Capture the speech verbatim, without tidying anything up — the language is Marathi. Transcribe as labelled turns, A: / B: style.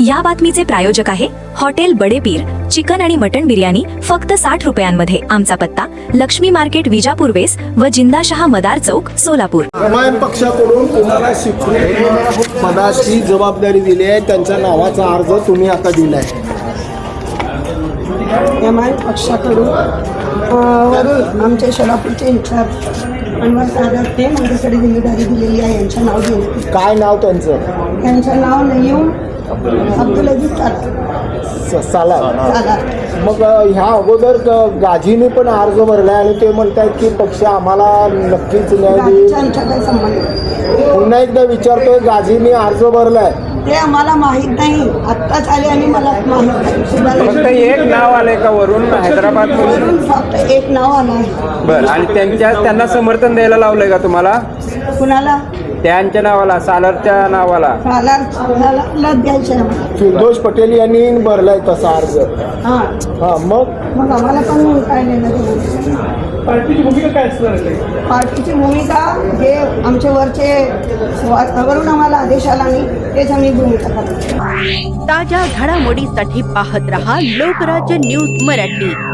A: या बातमीचे प्रायोजक आहे हॉटेल बडेपीर। चिकन आणि मटण बिर्याणी फक्त साठ रुपयांमध्ये। आमचा पत्ता लक्ष्मी मार्केट, विजापूर वेस व जिंदाशहा मदार चौक, सोलापूर।
B: एमआयएम पक्षाकडून तुम्हाला स्वीकृत पदाची जबाबदारी दिली आहे, त्यांच्या नावाचा अर्ज तुम्ही आता दिलाय।
C: एमआयएम पक्षाकडून वरून आमचे सोलापूरचे इन्चार्ज अनवर सागर ते माझ्याकडे जिम्मेदारी दिलेली आहे। यांचं नाव घेऊन
B: काय नाव त्यांचं?
C: त्यांचं नाव नयीम अब्दुल अजीज साला
B: साला
C: साला
B: मग ह्या अगोदर ग- गाजीने पण अर्ज भरलाय आणि ते म्हणतात की पक्ष आम्हाला नक्कीच न्याय देईल।
C: गाडीचा आमचा काही संबंध नाही।
B: पुन्हा एकदा विचारतोय, गाजीने अर्ज भरलाय
C: ते आम्हाला माहीत नाही, आत्ताच आले आणि मला माहीत नाही।
D: फक्त एक नाव आलंय का वरून हैदराबाद
C: वरून फक्त एक नाव आलं आहे।
D: बरं, आणि त्यांच्या त्यांना समर्थन द्यायला लावलंय का तुम्हाला?
C: कुणाला?
D: त्यांच्या नावाला, सालरच्या नावाला?
C: साला साला द्यायचं आहे आम्हाला।
B: फिरदोष पटेल यांनी भरलाय तसा अर्ज।
C: हां,
B: हा, मग
C: मग आम्हाला पण काय नाही।
E: पार्टीची भूमिका काय असणार आहे?
C: पार्टीची भूमिका जे आमचे वरचे वरून आम्हाला आदेश आला नाही तेच आम्ही भूमिका करतो।
F: ताज्या घडामोडीसाठी पाहत रहा लोकराज्य न्यूज मराठी।